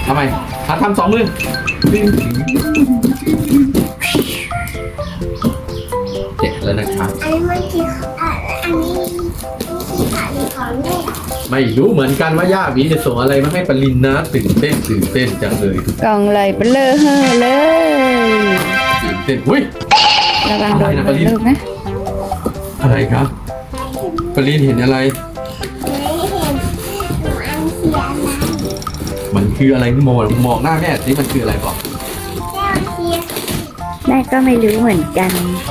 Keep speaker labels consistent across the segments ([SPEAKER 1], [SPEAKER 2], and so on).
[SPEAKER 1] ทำไมทำ2 มือเจ็บแล้วนะครับ
[SPEAKER 2] อันนี้มันคืออันนี้ขาดีของแม่
[SPEAKER 1] ไม่รู้เหมือนกันว่าย่าหวีจะส่งอะไรมาให้ปรินนะตื่นเต้นจังเลย
[SPEAKER 3] กล่องไหลเปลือเฮ่อเลย
[SPEAKER 1] ตื่นเต้นอุ้ย
[SPEAKER 3] ระวังโดน
[SPEAKER 1] อะไรนะ
[SPEAKER 3] ลูกนะ
[SPEAKER 1] อะไรครับปรินเห็นอะไร
[SPEAKER 2] ไม่เห็นหนูอันเสียอะไร
[SPEAKER 1] มันคืออะไรมองหน้าแม่สิมันคืออะไรบอก
[SPEAKER 2] แก้วเสีย
[SPEAKER 3] แม่ก็ไม่รู้เหมือนกัน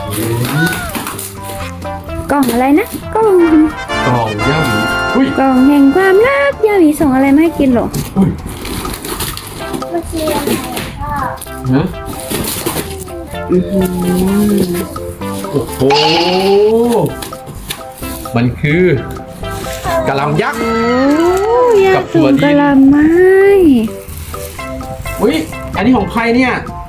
[SPEAKER 3] กล่องอะไรนะกล่อง
[SPEAKER 1] กล่องย่าหวีอุ้ย
[SPEAKER 3] กล่องแห่งความรักย่าหวีส่งอะไรมาให้กินหรอ
[SPEAKER 1] อุ้ย
[SPEAKER 2] มันคืออะไรพ่อ
[SPEAKER 1] ฮะโอ้โหมันคือกะหล่ำยักษ์
[SPEAKER 3] โอ้ย่า
[SPEAKER 1] กับถั่
[SPEAKER 3] ส่
[SPEAKER 1] ว
[SPEAKER 3] ง
[SPEAKER 1] ดิน
[SPEAKER 3] กะหล่ำไม้
[SPEAKER 1] อุ้ยอันนี้ของใครเนี่ย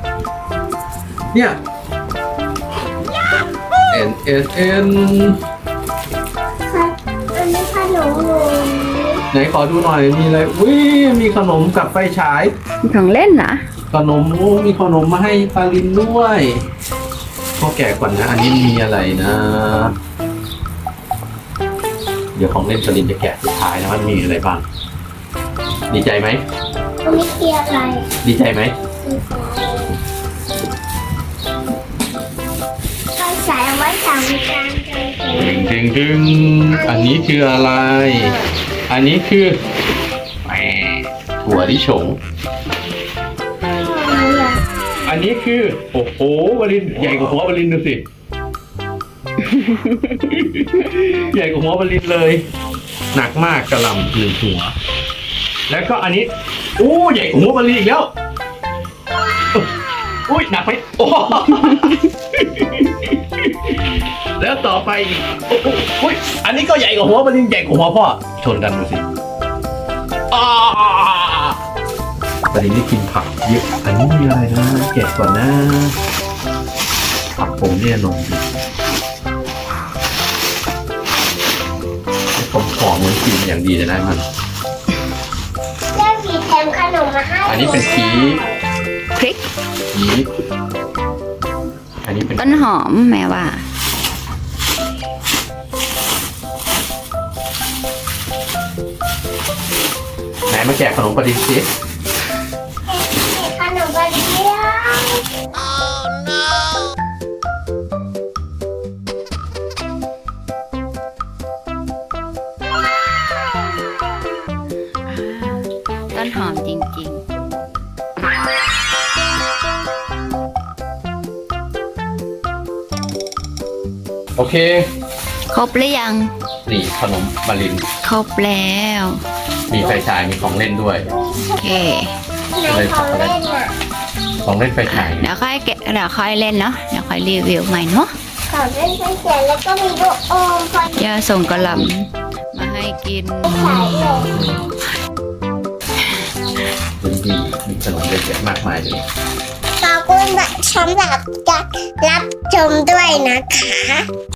[SPEAKER 1] N
[SPEAKER 2] ค่ะอันนี้ขนมหนู
[SPEAKER 1] ไหนขอดูหน่อยมีอะไรอุ้ยมีขนมกับไฟฉาย
[SPEAKER 3] ของเล่นเหรอ
[SPEAKER 1] ขนมมีขนมมาให้ปาลินด้วยพ่อแกะก่อนนะ อันนี้มีอะไรนะ เดี๋ยวของเล่นปาลินจะแกะสุดท้ายนะว่ามีอะไรบ้างดีใจไหม
[SPEAKER 2] อันนี้คืออะไร
[SPEAKER 1] ดีใจไหม
[SPEAKER 2] ก็ใส่เอาไว้สามจานเลย
[SPEAKER 1] ดึงอันนี้คืออะไร อันนี้คือแหมถั่วลิสงอันนี้คือโอ้โหวลินใหญ่กว่าหัววลินดูสิ ใหญ่กว่าหัววลินเลย หนักมากกระหล่ำ1 หัว แล้วก็อันนี้โอ้ใหญ่กว่าหัววลินอีกแล้วอุ้ยหนักไปโอ้ แล้วต่อไปอีกโอ้โหอุ๊ยอันนี้ก็ใหญ่กว่าหัววลินใหญ่กว่าหัวพ่อชนกันดูสิวลินได้กินผักเยอะอันนี้มีอะไรนะแกะก่อนนะผักผมเนี่ยนมดิผมขอเหมือนกินอย่างดีเลยนะมัน
[SPEAKER 2] แม่ผีแถมขนมมาให้
[SPEAKER 1] อันนี้เป็นชีส
[SPEAKER 3] พริก
[SPEAKER 1] ชีสอันนี้เป็น
[SPEAKER 3] ต้นหอมแม่ว่า
[SPEAKER 1] ไหนมาแกะขนมปลาดินสิ
[SPEAKER 2] ขนมบะเดียว
[SPEAKER 3] ต้นหอมจริง
[SPEAKER 1] โอเค
[SPEAKER 3] ๆ ครบหรือยัง
[SPEAKER 1] นี่ขนมปลาลิน
[SPEAKER 3] ครบแล้ว
[SPEAKER 1] มีไฟฉายมีของเล่นด้วย
[SPEAKER 3] โอเค
[SPEAKER 2] ไหนของเล่นอ่ะ
[SPEAKER 1] ของเล่นไฟฉาย
[SPEAKER 3] เดี๋ยวค่อยแกะเดี๋ยวค่อยเล่นเนาะเดี๋ยวค่อยรีวิวใหม่เนาะ
[SPEAKER 2] ของเล่นเป็นเสียงแล้วก็มีลูกอมคอย
[SPEAKER 3] ย่าส่งกระหล่ำมาให้กิน
[SPEAKER 2] ฉายเลย
[SPEAKER 1] ดีมีขนมเยอะแยะมากมายเลย
[SPEAKER 2] ขอบคุณสำหรับการรับชมด้วยนะคะ